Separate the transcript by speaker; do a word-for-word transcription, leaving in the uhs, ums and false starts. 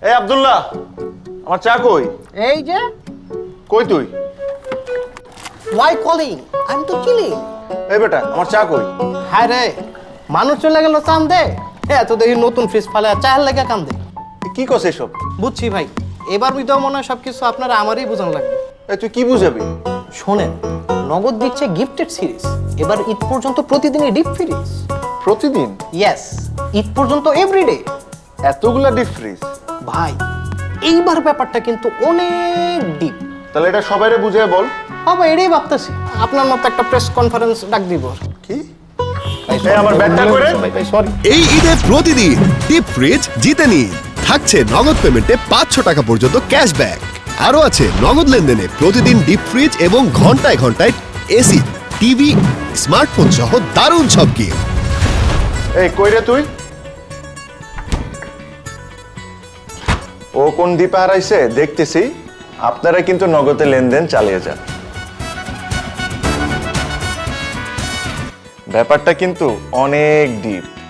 Speaker 1: এই আব্দুল্লাহ, আমার চা কই?
Speaker 2: এই যে।
Speaker 1: কই তুই?
Speaker 2: Why calling? I'm তো chilling.
Speaker 1: এই বেটা, আমার চা কই?
Speaker 2: হায় রে, মানুষ চলে গেল চান্দে। হ্যাঁ তো দেখি নতুন ফ্রিজ ফালে চায়ের লেগে কান্দে।
Speaker 1: কি কস এসব?
Speaker 2: বুঝছি ভাই, এবার বুঝতেও মনে হয় সবকিছু আপনারা আমারই বোঝানো লাগবে।
Speaker 1: এই তুই কি বুঝাবি?
Speaker 2: শোনেন, নগদ দিচ্ছে গিফটেড সিরিজ। এবার ঈদ পর্যন্ত প্রতিদিনই ডিপ ফ্রিজ।
Speaker 1: প্রতিদিন?
Speaker 2: ইয়েস, ঈদ পর্যন্ত এভরিডে।
Speaker 1: এতগুলা ডিপ ফ্রিজ?
Speaker 2: ভাই, এইবার ব্যাপারটা কিন্তু অনেক ডিপ।
Speaker 1: তাহলে এটা সবাইরে বুঝিয়ে বল।
Speaker 2: বাবা, এটাই ভাবতেছি আপনার মতো একটা প্রেস কনফারেন্স ডাক দিব।
Speaker 1: কি? এই আমার ব্যাগটা করে।
Speaker 2: সরি।
Speaker 3: এই ঈদে প্রতিদিন ডিপ ফ্রিজ জিতে নিন। থাকছে নগদ পেমেন্টে পাঁচশো টাকা পর্যন্ত ক্যাশব্যাক। আরও আছে নগদ লেনদেনে প্রতিদিন ডিপ ফ্রিজ এবং ঘন্টায় ঘন্টায় এসি, টিভি, স্মার্টফোন সহ দারুণ সব গিফট।
Speaker 1: এই কই রে তুই? ও কোন দ্বীপে হারাইছে দেখতেছি। আপনারা কিন্তু নগদে লেনদেন চালিয়ে যান। ব্যাপারটা কিন্তু অনেক ডিপ।